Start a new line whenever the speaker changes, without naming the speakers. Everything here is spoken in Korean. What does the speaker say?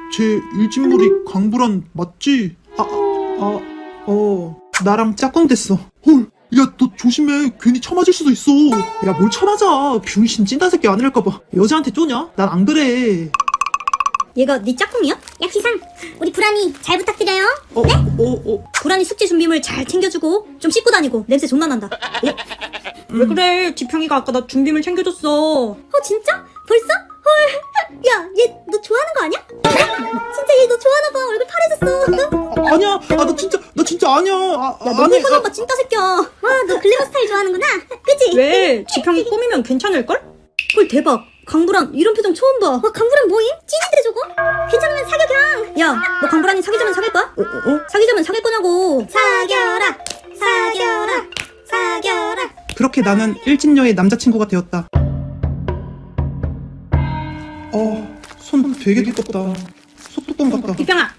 쟤 일진물이 강불안 맞지? 나랑 짝꿍 됐어. 헐, 야, 너 조심해. 괜히 처맞을 수도 있어. 야, 뭘 처맞아. 병신 찐따 새끼 아니랄까봐. 여자한테 쪼냐? 난 안 그래.
얘가 네 짝꿍이야?
야 기상, 우리 불안이 잘 부탁드려요.
불안이 숙제 준비물 잘 챙겨주고 좀 씻고 다니고. 냄새 존나 난다. 왜 그래? 지평이가 아까 나 준비물 챙겨줬어.
진짜? 벌써? 헐. 야, 얘 너 좋아하는 거 아니야? 진짜 얘 너 좋아하나 봐. 얼굴 파래졌어.
아니야. 나 진짜 아니야.
야, 너 홀거나 봐, 찐따 새끼야.
와, 너 글래머 스타일 좋아하는구나. 그치?
왜? 지평이 꾸미면 괜찮을걸? 헐, 대박. 강불안 이런 표정 처음 봐.
와, 강불안 뭐임? 찐인데 저거? 괜찮으면 사겨 그냥.
야, 너 강불안이 사귀자면 사귈 거야? 사귀자면 사귈 거냐고.
사겨라, 사겨라, 사겨라.
그렇게 나는 일진녀의 남자친구가 되었다. 손 되게 두껍다. 소뚜껑 같다.
지평아,